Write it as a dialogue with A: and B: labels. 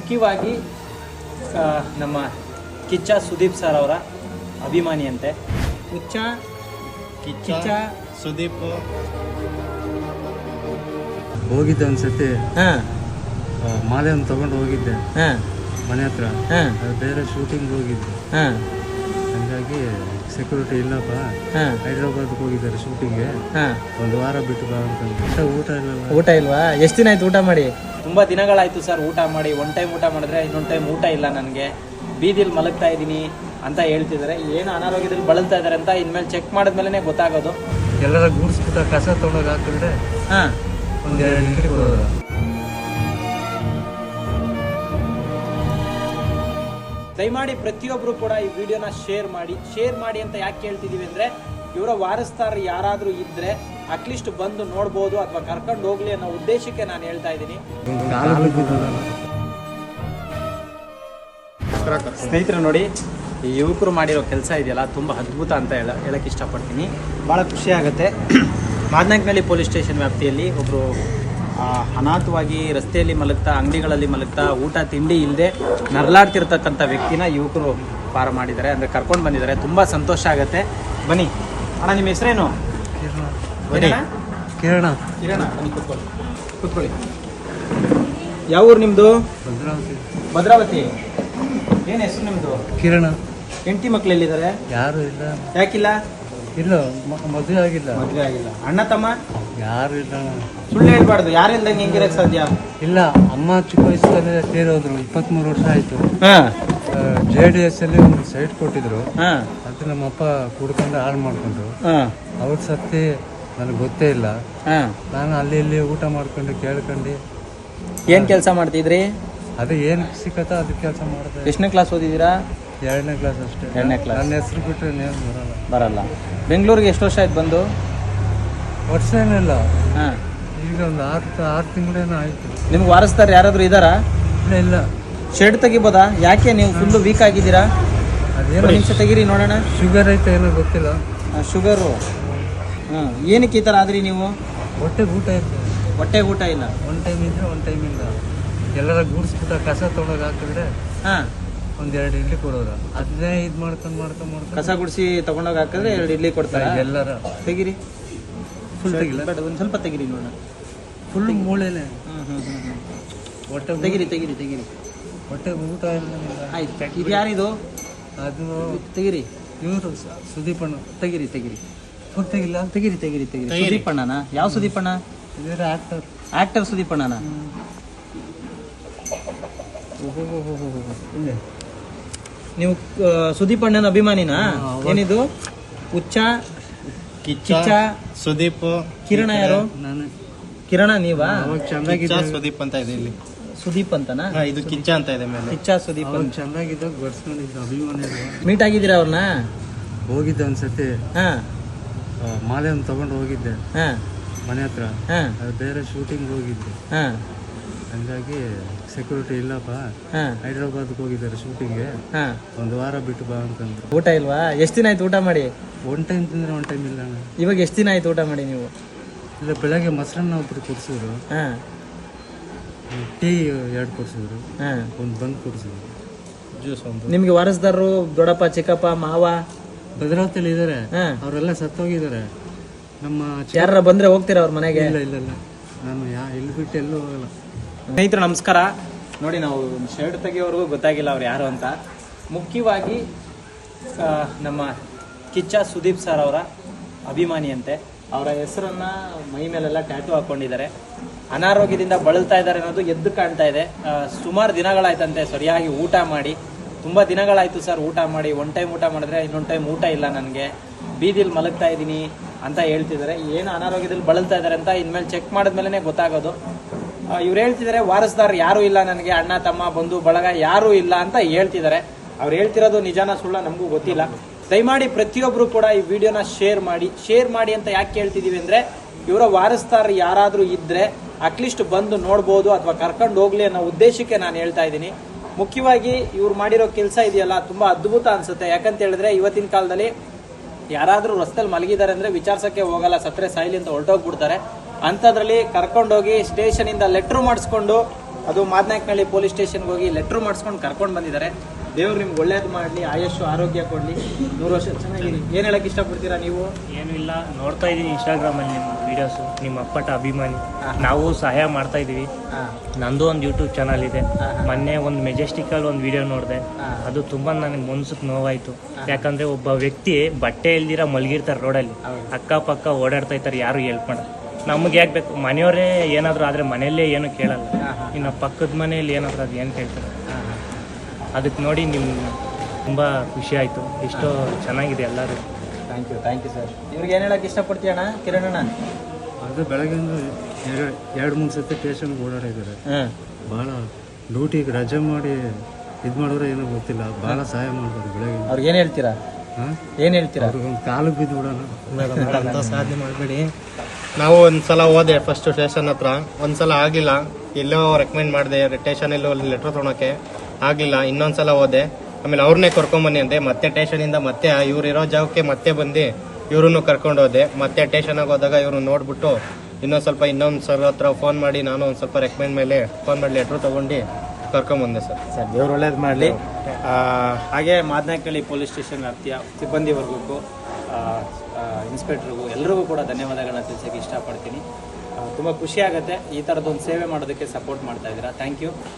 A: ಮುಖ್ಯವಾಗಿ ನಮ್ಮ ಕಿಚ್ಚ ಸುದೀಪ್ ಸರ್ ಅವರ ಅಭಿಮಾನಿಯಂತೆ. ಕಿಚ್ಚ
B: ಸುದೀಪ್
C: ಹೋಗಿದ್ದೆ ಒಂದ್ಸತಿ,
A: ಹಾಂ
C: ಮಾಲೆಯನ್ನು ತಗೊಂಡು ಹೋಗಿದ್ದೆ
A: ಹಾಂ
C: ಮನೆ ಹತ್ರ.
A: ಹಾಂ
C: ಅದು ಬೇರೆ ಶೂಟಿಂಗ್ ಹೋಗಿದ್ದೆ,
A: ಹಾಂ
C: ಹಂಗಾಗಿ ಸೆಕ್ಯೂರಿಟಿ ಇಲ್ಲಪ್ಪ,
A: ಹಾಂ
C: ಹೈದ್ರಾಬಾದ್ಗೆ ಹೋಗಿದ್ದಾರೆ ಶೂಟಿಂಗ್ಗೆ,
A: ಹಾಂ
C: ಒಂದು ವಾರ ಬಿಟ್ಟು ಬಾ ಅಂತಂದ್ರೆ ಊಟ ಇಲ್ಲಲ್ಲ.
A: ಊಟ ಇಲ್ವಾ? ಎಷ್ಟು ದಿನ ಆಯ್ತು ಊಟ ಮಾಡಿ? ತುಂಬ ದಿನಗಳಾಯ್ತು ಸರ್ ಊಟ ಮಾಡಿ. ಒನ್ ಟೈಮ್ ಊಟ ಮಾಡಿದ್ರೆ ಇನ್ನೊಂದು ಟೈಮ್ ಊಟ ಇಲ್ಲ ನನಗೆ, ಬೀದಿಲಿ ಮಲಗ್ತಾ ಇದ್ದೀನಿ ಅಂತ ಹೇಳ್ತಿದ್ದಾರೆ. ಏನು ಅನಾರೋಗ್ಯದಲ್ಲಿ ಬಳಲ್ತಾ ಇದ್ದಾರೆ ಅಂತ ಇನ್ಮೇಲೆ ಚೆಕ್ ಮಾಡಿದ್ಮೇಲೆ ಗೊತ್ತಾಗೋದು.
C: ಎಲ್ಲರ ಗೂಡ್ಸ್ಬಿಟ್ಟ ಕಸ ತೊಗೊಂಡೋಗಿ ಹಾಕಿದ್ರೆ
A: ಹಾಂ
C: ಒಂದು 2 ಗಂಟೆ ಕೊಡೋದು.
A: ದಯಮಾಡಿ ಪ್ರತಿಯೊಬ್ಬರು ಕೂಡ ಈ ವಿಡಿಯೋನ ಶೇರ್ ಮಾಡಿ ಅಂತ ಯಾಕೆ ಕೇಳ್ತಿದ್ದೀವಿ ಅಂದರೆ, ಇವರ ವಾರಸ್ದಾರರು ಯಾರಾದರೂ ಇದ್ದರೆ ಅಟ್ಲೀಸ್ಟ್ ಬಂದು ನೋಡ್ಬೋದು ಅಥವಾ ಕರ್ಕೊಂಡು ಹೋಗ್ಲಿ ಅನ್ನೋ ಉದ್ದೇಶಕ್ಕೆ ನಾನು ಹೇಳ್ತಾ ಇದ್ದೀನಿ. ಸ್ನೇಹಿತರು ನೋಡಿ, ಈ ಯುವಕರು ಮಾಡಿರೋ ಕೆಲಸ ಇದೆಯಲ್ಲ ತುಂಬ ಅದ್ಭುತ ಅಂತ ಹೇಳಕ್ಕೆ ಇಷ್ಟಪಡ್ತೀನಿ. ಭಾಳ ಖುಷಿ ಆಗುತ್ತೆ. ಮಾದನಾಯಕನಹಳ್ಳಿ ಪೊಲೀಸ್ ಸ್ಟೇಷನ್ ವ್ಯಾಪ್ತಿಯಲ್ಲಿ ಒಬ್ಬರು ಅನಾಥವಾಗಿ ರಸ್ತೆಯಲ್ಲಿ ಮಲಗ್ತಾ, ಅಂಗಡಿಗಳಲ್ಲಿ ಮಲಗ್ತಾ, ಊಟ ತಿಂಡಿ ಇಲ್ಲದೆ ನರಳಾಡ್ತಿರ್ತಕ್ಕಂಥ ವ್ಯಕ್ತಿನ ಯುವಕರು ಪಾರ ಮಾಡಿದ್ದಾರೆ, ಅಂದರೆ ಕರ್ಕೊಂಡು ಬಂದಿದ್ದಾರೆ. ತುಂಬ ಸಂತೋಷ ಆಗುತ್ತೆ. ಬನ್ನಿ ಅಣ್ಣ, ನಿಮ್ಮ ಹೆಸರೇನು?
C: ಕಿರಣ.
A: ಕಿರಣ, ಬನ್ನಿ ಕೂತ್ಕೊಳ್ಳಿ. ಯಾವ ಊರು ನಿಮ್ಮದು? ಭದ್ರಾವತಿ. ಏನು ಹೆಸರು ನಿಮ್ಮದು?
C: ಕಿರಣ.
A: ಹೆಂಡತಿ ಮಕ್ಳು ಎಲ್ಲಿದ್ದಾರೆ?
C: ಯಾರು ಇಲ್ಲ.
A: ಯಾಕಿಲ್ಲ?
C: ಇಲ್ಲ, ಮದುವೆ ಆಗಿಲ್ಲ.
A: ಮದುವೆ ಆಗಿಲ್ಲ. ಅಣ್ಣ ತಮ್ಮ
C: ಯಾರು ಇಲ್ಲ.
A: ಸುಳ್ಳು ಹೇಳ್ಬಾರ್ದು. ಯಾರಿಲ್ದಂಗೆ ಹೆಂಗಿರಕ್ಕೆ ಸಾಧ್ಯ?
C: ಇಲ್ಲ, ಅಮ್ಮ ಚಿಕ್ಕ ವಯಸ್ಸಲ್ಲೇ ತೀರೋದ್ರು. 23 ವರ್ಷ ಆಯ್ತು.
A: ಹಾಂ
C: JDS ಅಲ್ಲಿ ಒಂದು ಸೈಟ್ ಕೊಟ್ಟಿದ್ರು,
A: ಹಾಂ
C: ಅದು ನಮ್ಮಪ್ಪ ಕುಡ್ಕೊಂಡು ಹಾಳು ಮಾಡ್ಕೊಂಡ್ರು.
A: ಹಾಂ
C: ಅವ್ರ ಸತ್ತಿ ನನಗೆ ಗೊತ್ತೇ ಇಲ್ಲ.
A: ಹಾಂ
C: ನಾನು ಅಲ್ಲಿ ಇಲ್ಲಿ ಊಟ ಮಾಡ್ಕೊಂಡು ಕೇಳ್ಕೊಂಡು
A: ಏನು ಕೆಲಸ ಮಾಡ್ತಿದ್ರಿ?
C: ಅದು ಏನು ಸಿಕ್ಕತ್ತ ಅದು ಕೆಲಸ ಮಾಡಿದೆ.
A: ಎಷ್ಟನೇ ಕ್ಲಾಸ್ ಓದಿದ್ದೀರಾ?
C: 2ನೇ ಕ್ಲಾಸ್ ಅಷ್ಟೇ.
A: 2ನೇ ಕ್ಲಾಸ್.
C: ನನ್ನ ಹೆಸರು ಬಿಟ್ಟರೆ ನೇಮ್
A: ಬರಲ್ಲ. ಬೆಂಗಳೂರಿಗೆ ಎಷ್ಟು ವರ್ಷ ಆಯ್ತು ಬಂದು?
C: ವರ್ಷ ಏನಿಲ್ಲ,
A: ಹಾಂ
C: ಈಗ ಒಂದು 6 ತಿಂಗಳೇನೋ ಆಯ್ತು.
A: ನಿಮ್ಗೆ ವಾರಸ್ದಾರ ಯಾರಾದರೂ ಇದ್ದಾರಾ?
C: ಇಲ್ಲ.
A: ಶೆಡ್ ತೆಗಿಬೋದಾ? ಯಾಕೆ ನೀವು ಫುಲ್ಲು ವೀಕ್ ಆಗಿದ್ದೀರಾ?
C: ಅದೇನೋ
A: ನಿಮಿಷ ತೆಗೀರಿ ನೋಡೋಣ.
C: ಶುಗರ್ ಐತೆ ಏನೋ ಗೊತ್ತಿಲ್ಲ.
A: ಶುಗರು. ಹಾಂ, ಏನಕ್ಕೆ ಈ ಥರ ಆದ್ರಿ ನೀವು?
C: ಹೊಟ್ಟೆಗೆ ಊಟ ಐತೆ,
A: ಹೊಟ್ಟೆಗೆ ಊಟ ಇಲ್ಲ.
C: ಒಂದು ಟೈಮ್ ಇದ್ರೆ ಒಂದು ಟೈಮ್ ಇಲ್ಲ. ಎಲ್ಲರ ಗೂಡ್ಸ್ಬಿಟ್ಟ ಕಸ ತೊಗೊಂಡೋಗಿ ಹಾಕಿದ್ರೆ
A: ಹಾಂ
C: ಒಂದು 2 ಇಡ್ಲಿ ಕೊಡೋದು. ಅದನ್ನೇ ಇದು ಮಾಡ್ಕೊಂಡು
A: ಕಸ ಗುಡಿಸಿ ತಗೊಂಡೋಗಿ ಹಾಕಿದ್ರೆ 2 ಇಡ್ಲಿ ಕೊಡ್ತಾರೆ.
C: ಎಲ್ಲರ
A: ತೆಗಿರಿ.
C: ಫುಲ್ ತೆಗಿಲ್ಲ,
A: ಬೇಡ, ಒಂದು ಸ್ವಲ್ಪ ತೆಗಿರಿ ನೋಡೋಣ.
C: ಫುಲ್ ಮೂಳೆನೆ.
A: ಹೊಟ್ಟೆ ತೆಗಿರಿ.
C: ಹೊಟ್ಟೆಗೆ ಊಟ ಇಲ್ಲ.
A: ಆಯ್ತು. ಇದು ಯಾರಿದು?
C: ಅದು
A: ತೆಗಿರಿ.
C: ಇವರು ಸುದೀಪಣ್ಣ.
A: ತೆಗಿರಿ.
C: ಫುಲ್ ತೆಗಿಲ್ಲ.
A: ತೆಗಿರಿ. ಸುದೀಪಣ್ಣನ? ಯಾವ ಸುದೀಪಣ್ಣ?
C: ಇದ್ರ ಆಕ್ಟರ್.
A: ಆಕ್ಟರ್ ಸುದೀಪಣ್ಣನ? ನೀವು ಸುದೀಪಣ್ಣನ ಅಭಿಮಾನಿನಾ? ಏನಿದು? ಕಿಚ್ಚ
B: ಸುದೀಪ್.
A: ಕಿರಣ ಯಾರು?
C: ನಾನು.
A: ಕಿರಣ ನೀವಾ?
C: ಅವಾಗ ಚೆನ್ನಾಗಿದ್ದ.
B: ಸುದೀಪ್ ಅಂತ ಇದೆ ಇಲ್ಲಿ.
A: ಸುದೀಪ್ ಅಂತನಾ?
B: ಇದು ಕಿಚ್ಚ ಅಂತ ಇದೆ ಮೇಲೆ.
A: ಕಿಚ್ಚ ಸುದೀಪ್
C: ಅವಾಗ
A: ಅಂತ.
C: ಚೆನ್ನಾಗಿದ್ದಾಗ ಬಡ್ಸ್ಕೊಂಡಿದ್ದ ಅಭಿಮಾನಿಗಳು.
A: ಮೀಟ್ ಆಗಿದ್ದೀರಾ ಅವ್ರನ್ನ?
C: ಹೋಗಿದ್ದೆ ಒಂದ್ಸತಿ,
A: ಹಾ
C: ಮಾಲೆಯನ್ನು ತಗೊಂಡು ಹೋಗಿದ್ದೆ
A: ಹಾ
C: ಮನೆ ಹತ್ರ.
A: ಹಾ
C: ಅದು ಬೇರೆ ಶೂಟಿಂಗ್ ಹೋಗಿದ್ದೆ,
A: ಹಾ
C: ಹಂಗಾಗಿ ಸೆಕ್ಯೂರಿಟಿ ಇಲ್ಲಪ್ಪ,
A: ಹಾ
C: ಹೈದ್ರಾಬಾದ್ಗೆ ಹೋಗಿದ್ದಾರೆ ಶೂಟಿಂಗ್ಗೆ,
A: ಹಾ
C: ಒಂದು ವಾರ ಬಿಟ್ಟು ಬಾ ಅಂತಂದ್ರು.
A: ಊಟ ಇಲ್ವಾ? ಎಷ್ಟು ದಿನ ಆಯ್ತು ಊಟ ಮಾಡಿ?
C: 1 ಟೈಮ್ ತಿಂದ್ರೆ 1 ಟೈಮ್ ಇಲ್ಲ ಅಣ್ಣ.
A: ಇವಾಗ ಎಷ್ಟು ದಿನ ಆಯ್ತು ಊಟ ಮಾಡಿ ನೀವು?
C: ಇಲ್ಲ, ಬೆಳಗ್ಗೆ ಮೊಸರನ್ನ ಒಬ್ರು ಕೊಡಿಸಿದ್ರು,
A: ಹಾ
C: ಟೀ 2 ಕೊಡಿಸಿದ್ರು,
A: ಹಾ
C: ಒಂದು ಬಂದ್ ಕೊಡಿಸಿದ್ರು, ಜ್ಯೂಸ್ ಒಂದು.
A: ನಿಮ್ಗೆ ವಾರಸ್ದಾರರು ದೊಡ್ಡಪ್ಪ, ಚಿಕ್ಕಪ್ಪ, ಮಾವ
C: ಭದ್ರಾವತಿಯಲ್ಲಿ ಇದ್ದಾರೆ,
A: ಹಾ
C: ಅವರೆಲ್ಲ ಸತ್ತೋಗಿದ್ದಾರೆ. ನಮ್ಮ
A: ಯಾರ ಬಂದ್ರೆ ಹೋಗ್ತೀರಾ ಅವ್ರ ಮನೆಗೆ?
C: ಇಲ್ಲ, ನಾನು ಇಲ್ಲಿ ಬಿಟ್ಟು ಎಲ್ಲೂ ಹೋಗಲ್ಲ.
A: ಸ್ನೇಹಿತರು ನಮಸ್ಕಾರ. ನೋಡಿ, ನಾವು ಶರ್ಟ್ ತೆಗಿಯೋವರೆಗೂ ಗೊತ್ತಾಗಿಲ್ಲ ಅವ್ರು ಯಾರು ಅಂತ. ಮುಖ್ಯವಾಗಿ ನಮ್ಮ ಕಿಚ್ಚ ಸುದೀಪ್ ಸರ್ ಅವರ ಅಭಿಮಾನಿಯಂತೆ. ಅವರ ಹೆಸರನ್ನು ಮೈ ಮೇಲೆಲ್ಲ ಟ್ಯಾಟೂ ಹಾಕ್ಕೊಂಡಿದ್ದಾರೆ. ಅನಾರೋಗ್ಯದಿಂದ ಬಳಲ್ತಾ ಇದ್ದಾರೆ ಅನ್ನೋದು ಎದ್ದು ಕಾಣ್ತಾ ಇದೆ. ಸುಮಾರು ದಿನಗಳಾಯ್ತಂತೆ ಸರಿಯಾಗಿ ಊಟ ಮಾಡಿ. ತುಂಬ ದಿನಗಳಾಯಿತು ಸರ್ ಊಟ ಮಾಡಿ. 1 ಟೈಮ್ ಊಟ ಮಾಡಿದ್ರೆ ಇನ್ನೊಂದು ಟೈಮ್ ಊಟ ಇಲ್ಲ ನನಗೆ, ಬೀದಿಲಿ ಮಲಗ್ತಾ ಇದ್ದೀನಿ ಅಂತ ಹೇಳ್ತಿದ್ದಾರೆ. ಏನು ಅನಾರೋಗ್ಯದಲ್ಲಿ ಬಳಲ್ತಾ ಇದ್ದಾರೆ ಅಂತ ಇನ್ಮೇಲೆ ಚೆಕ್ ಮಾಡಿದ್ಮೇಲೆ ಗೊತ್ತಾಗೋದು. ಇವ್ರು ಹೇಳ್ತಿದ್ದಾರೆ ವಾರಸ್ದಾರ್ ಯಾರೂ ಇಲ್ಲ ನನಗೆ, ಅಣ್ಣ ತಮ್ಮ ಬಂಧು ಬಳಗ ಯಾರೂ ಇಲ್ಲ ಅಂತ ಹೇಳ್ತಿದ್ದಾರೆ. ಅವ್ರು ಹೇಳ್ತಿರೋದು ನಿಜಾನ ಸುಳ್ಳ ನಮಗೂ ಗೊತ್ತಿಲ್ಲ. ದಯಮಾಡಿ ಪ್ರತಿಯೊಬ್ಬರು ಕೂಡ ಈ ವಿಡಿಯೋನ ಶೇರ್ ಮಾಡಿ ಅಂತ ಯಾಕೆ ಕೇಳ್ತಿದ್ದೀವಿ ಅಂದರೆ, ಇವರ ವಾರಸ್ದಾರ್ ಯಾರಾದರೂ ಇದ್ದರೆ ಅಟ್ಲೀಸ್ಟ್ ಬಂದು ನೋಡ್ಬೋದು ಅಥವಾ ಕರ್ಕೊಂಡು ಹೋಗ್ಲಿ ಅನ್ನೋ ಉದ್ದೇಶಕ್ಕೆ ನಾನು ಹೇಳ್ತಾ ಇದ್ದೀನಿ. ಮುಖ್ಯವಾಗಿ ಇವ್ರು ಮಾಡಿರೋ ಕೆಲಸ ಇದೆಯಲ್ಲ ತುಂಬ ಅದ್ಭುತ ಅನಿಸುತ್ತೆ. ಯಾಕಂತ ಹೇಳಿದ್ರೆ ಇವತ್ತಿನ ಕಾಲದಲ್ಲಿ ಯಾರಾದರೂ ರಸ್ತೆಯಲ್ಲಿ ಮಲಗಿದ್ದಾರೆ ಅಂದರೆ ವಿಚಾರಿಸೋಕ್ಕೆ ಹೋಗಲ್ಲ, ಸತ್ತರೆ ಸಾಯಿಲಿ ಅಂತ ಹೊರಟೋಗ್ಬಿಡ್ತಾರೆ. ಅಂಥದ್ರಲ್ಲಿ ಕರ್ಕೊಂಡೋಗಿ ಸ್ಟೇಷನಿಂದ ಲೆಟ್ರ್ ಮಾಡಿಸ್ಕೊಂಡು ಅದು ಮಾದನಾಯಕನಹಳ್ಳಿ ಪೊಲೀಸ್ ಸ್ಟೇಷನ್ಗೆ ಹೋಗಿ ಲೆಟ್ರ್ ಮಾಡಿಸ್ಕೊಂಡು ಕರ್ಕೊಂಡು ಬಂದಿದ್ದಾರೆ. ದೇವ್ರು ನಿಮ್ಗೆ ಒಳ್ಳೇದು ಮಾಡಲಿ, ಆಯುಷ್ಯು ಆರೋಗ್ಯ ಕೊಡಲಿ, 100 ವರ್ಷ ಚೆನ್ನಾಗಿರಿ. ಏನು ಹೇಳಕ್ಕೆ ಇಷ್ಟಪಡ್ತೀರಾ ನೀವು?
D: ಏನೂ ಇಲ್ಲ, ನೋಡ್ತಾ ಇದ್ದೀನಿ ಇನ್ಸ್ಟಾಗ್ರಾಮಲ್ಲಿ ನಿಮ್ಮ ವೀಡಿಯೋಸು, ನಿಮ್ಮ ಅಪ್ಪಟ ಅಭಿಮಾನಿ. ನಾವು ಸಹಾಯ ಮಾಡ್ತಾ ಇದ್ದೀವಿ. ನಂದು ಒಂದು ಯೂಟ್ಯೂಬ್ ಚಾನಲ್ ಇದೆ. ಮೊನ್ನೆ ಒಂದು ಮೆಜೆಸ್ಟಿಕಲ್ಲಿ ಒಂದು ವಿಡಿಯೋ ನೋಡಿದೆ. ಅದು ತುಂಬ ನನಗೆ ಮನ್ಸಿಗೆ ನೋವಾಯಿತು. ಯಾಕಂದರೆ ಒಬ್ಬ ವ್ಯಕ್ತಿ ಬಟ್ಟೆ ಇಲ್ದಿರ ಮಲಗಿರ್ತಾರೆ ರೋಡಲ್ಲಿ, ಅಕ್ಕಪಕ್ಕ ಓಡಾಡ್ತಾ ಇರ್ತಾರೆ, ಯಾರು ಹೆಲ್ಪ್ ಮಾಡೋದು. ನಮಗೆ ಯಾಕೆ ಬೇಕು? ಮನೆಯವರೇ ಏನಾದರೂ ಆದರೆ ಮನೆಯಲ್ಲೇ ಏನು ಕೇಳಲ್ಲ, ಇನ್ನು ಪಕ್ಕದ ಮನೆಯಲ್ಲಿ ಏನಾದರೂ ಅದು ಏನು ಕೇಳ್ತಾರೆ. ಅದಕ್ಕೆ ನೋಡಿ ನಿಮ್ಮ ತುಂಬ ಖುಷಿ ಆಯಿತು. ಎಷ್ಟೋ ಚೆನ್ನಾಗಿದೆ ಎಲ್ಲರೂ.
A: Thank you sir. ಇವ್ರಿಗೆ ಏನು ಹೇಳಕ್ಕೆ ಇಷ್ಟಪಡ್ತೀಯಣ್ಣ ಕಿರಣಣ್ಣ?
C: ಅದು ಬೆಳಗ್ಗೆಯಿಂದ 2-3 ಸತಿ ಸ್ಟೇಷನ್ಗೆ ಓಡಾಡಿದ್ದಾರೆ. ಭಾಳ ಡ್ಯೂಟಿಗೆ ರಜೆ ಮಾಡಿ ಇದು ಮಾಡಿದ್ರೆ ಏನೋ ಗೊತ್ತಿಲ್ಲ, ಭಾಳ ಸಹಾಯ ಮಾಡ್ತಾರೆ ಬೆಳಗ್ಗೆ.
A: ಅವ್ರಿಗೆ ಏನು ಹೇಳ್ತೀರಾ? ಏನು ಹೇಳ್ತೀರಾ?
C: ಅವ್ರಿಗೆ ಒಂದು ಕಾಲಿಗೆ ಬಿದ್ದು ಬಿಡೋಣ.
B: ಅಂತ ಸಾಧನೆ ಮಾಡಬೇಡಿ. ನಾವು ಒಂದ್ಸಲ ಹೋದೆ ಫಸ್ಟ್ ಸ್ಟೇಷನ್ ಹತ್ರ, ಒಂದ್ಸಲ ಆಗಿಲ್ಲ, ಎಲ್ಲೋ ರೆಕಮೆಂಡ್ ಮಾಡಿದೆ ಸ್ಟೇಷನಲ್ಲಿ ಲೆಟ್ರ್ ತೊಗೊಳಕ್ಕೆ ಆಗಲಿಲ್ಲ. ಇನ್ನೊಂದ್ಸಲ ಹೋದೆ, ಆಮೇಲೆ ಅವ್ರನ್ನೇ ಕರ್ಕೊಂಬನ್ನಿ ಅಂತೆ. ಮತ್ತೆ ಸ್ಟೇಷನಿಂದ ಮತ್ತೆ ಇವ್ರು ಇರೋ ಜಾಗಕ್ಕೆ ಮತ್ತೆ ಬಂದು ಇವ್ರನ್ನು ಕರ್ಕೊಂಡು ಹೋದೆ. ಮತ್ತೆ ಸ್ಟೇಷನಾಗ ಹೋದಾಗ ಇವ್ರು ನೋಡ್ಬಿಟ್ಟು ಇನ್ನೊಂದು ಸರ್ ಹತ್ರ ಫೋನ್ ಮಾಡಿ ನಾನು ಒಂದು ಸ್ವಲ್ಪ ರೆಕಮೆಂಡ್ ಮೇಲೆ ಫೋನ್ ಮಾಡಿ ಲೆಟ್ರ್ ತೊಗೊಂಡು ಕರ್ಕೊಂಬಂದೆ ಸರ್.
A: ದೇವ್ರು ಒಳ್ಳೇದು ಮಾಡಲಿ. ಹಾಗೆ ಮಾದನಾಯಕನಹಳ್ಳಿ ಪೊಲೀಸ್ ಸ್ಟೇಷನ್ ವ್ಯಾಪ್ತಿಯ ಸಿಬ್ಬಂದಿ ವರ್ಗಕ್ಕೂ, ಇನ್ಸ್ಪೆಕ್ಟ್ರಿಗೂ ಎಲ್ಲರಿಗೂ ಕೂಡ ಧನ್ಯವಾದಗಳನ್ನ ತಿಳಿಸೋಕ್ಕೆ ಇಷ್ಟಪಡ್ತೀನಿ. ತುಂಬ ಖುಷಿ ಆಗುತ್ತೆ ಈ ಥರದೊಂದು ಸೇವೆ ಮಾಡೋದಕ್ಕೆ ಸಪೋರ್ಟ್ ಮಾಡ್ತಾ ಇದ್ದೀರಾ. Thank you.